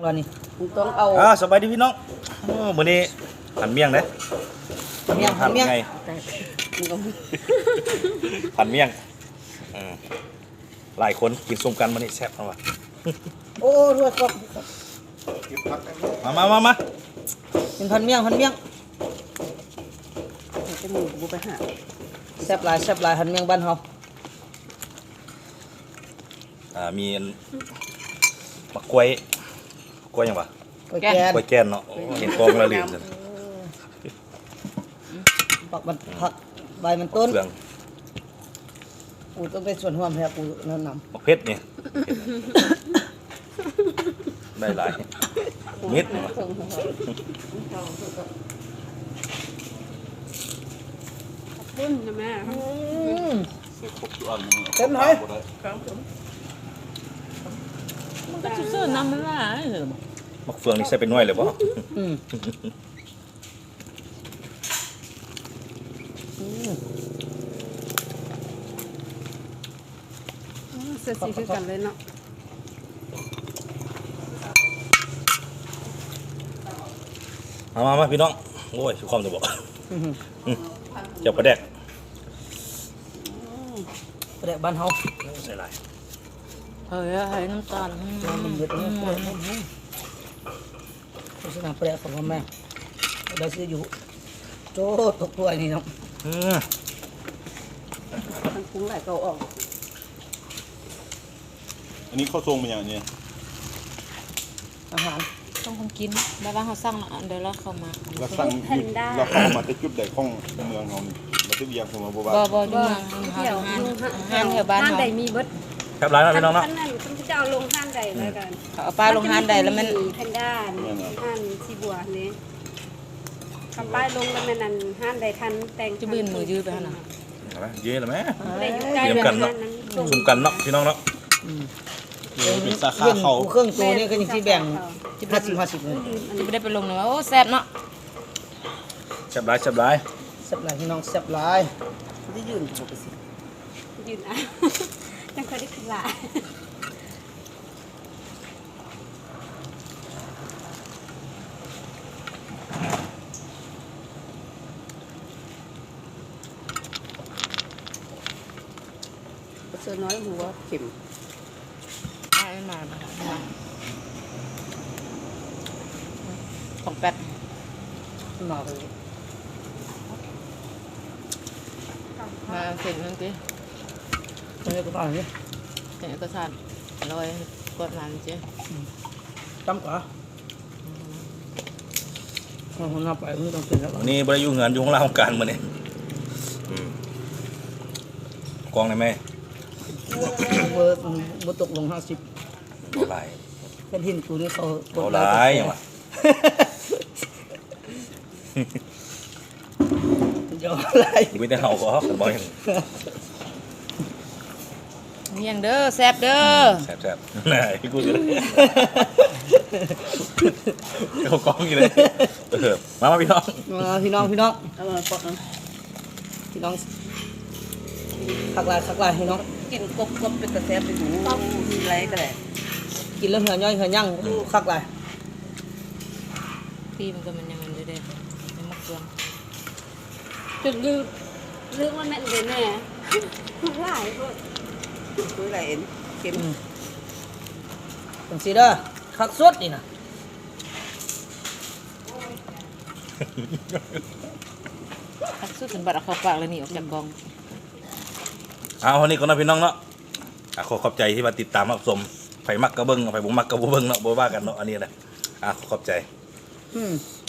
เรานี่ต้องเอาสบายดีพี่น้องมื้อนี้ผันเมี่ยงเด้เมี่ยงผัดเมี่ยงไงผันเมี่ยงหลายคนกินส้มกันมื้อนี้แซ่บจังว่ะโอ้ด้วยครับมาเป็นพันเมี่ยงจะหมูบูไปหาแซ่บหลายพันเมี่ยงบ้านเฮามีมะกล้วยหยังวะก๋วยแกนกล้วยแก้นเนาะเห็นกองละลืมปักมันผักใบมันต้นเฟืองปูต้องเป็นส่วนห่วมแท้ปูนั่นนมะเพชรนี่ได้หลายมิดปุ้นนะแม่เต็มไหมก็จะซื้อน้ำมันละมะเฟืองนี่ใส่เป็นหน่วยเลยป่ะเสียสีคือกันเลยเนาะมาพี่น้องโอ้ยสุขความจะบอกเจ้าประแดกแดกบ้านเฮาใส่หลายเฮ้ยน้ำตาลมันเยอะตรงนี้โฆษณาแปลของแม่ได้ซื้ออยู่โจ้ตกถ้วยนี่เนาะมันปรุงหลายเก่าออกอันนี้ข้าวทรงเป็นอย่างนี้อาหารต้องคงกินแล้วว่าเขาสั่งเดี๋ยวเราเข้ามาเราสั่งหยุดเราเข้ามาแต่จุดใดของเมืองเรานี่มาที่เวียงของเราบ่าบ่อยู่เมืองห้างแถวบ้านห้านเขาใดมีเบิดแซ่บหลายนะพี่น้องเนาะท่านนั้นคุณจะเอาลงห้านใดแล้วกันเอาป้ายลงห้างใดแล้วมันแพนด้าห้านสีบัวนี่คำป้ายลงแล้วมันนั่นห้านใดทันแต่งจะบืนมือยืดไปขนาดเอาไหมเย้เลยไหมได้อยู่ใกล้เตรียมกันเนาะ ซุ่มกันเนาะพี่น้องเนาะเป็นสาขาเรื่องเขาเครื่องตัวนี่ก็ยังที่แบ่ง50เลยจะไม่ได้ไปลงเลยว่าโอ้แซ่บเนาะแซ่บหลายแซ่บหลายพี่น้องแซ่บหลายที่ยืนถูกไปสิยืนอ่ะจังเคยได้ขึ้นละ เสือน้อยหัวเข็มไม่มาของแป๊ดมาเลยมาเสร็จนั่นสิตรงนี้ก็ตายนี่เสร็จก็สั่นลอยกดมันสิจำกว่าคนนับไปไม่ต้องเป็นแล้ววันนี้บริยุเงินอยู่ของเราของการมื้อนี้กองได้ไหมเบอร์บตกลง50 บ่หลายเป็นหินกูนี่เขาบ่หลายหยังวะเดี๋ยวอะไรมีแต่เฮาก็บ่หยังเมียงเด้อแซ่บเด้อแซ่บๆน่ะพี่กูเลยเขากองอยู่เลยมาพี่น้องพี่น้องพี่น้องคักลายพี่น้องกินกบเป็นกระแสไปหูมีไรก็ได้กินแล้วเหื่อย่อยเหื่อย่างคักลายปีมันก็มันยังมันเด้ในมะเขือจนลืมว่าแม่นเลยแน่มันหลายคนคุยหลายเอ็นเข็มจังซี่เด้อคักสุดนี่นะทักสุดถึงบัดเอาเข้าปากเลยนี่ออกจากกองเอาวันนี้ก็นะพี่น้องเนาะขอขอบใจที่มาติดตามรับชมไผมักกระเบิ้งไผบ่มักกระบ่เบิ้งเนาะบ่ว่ากันเนาะอันนี้แหละขอขอบใจอืม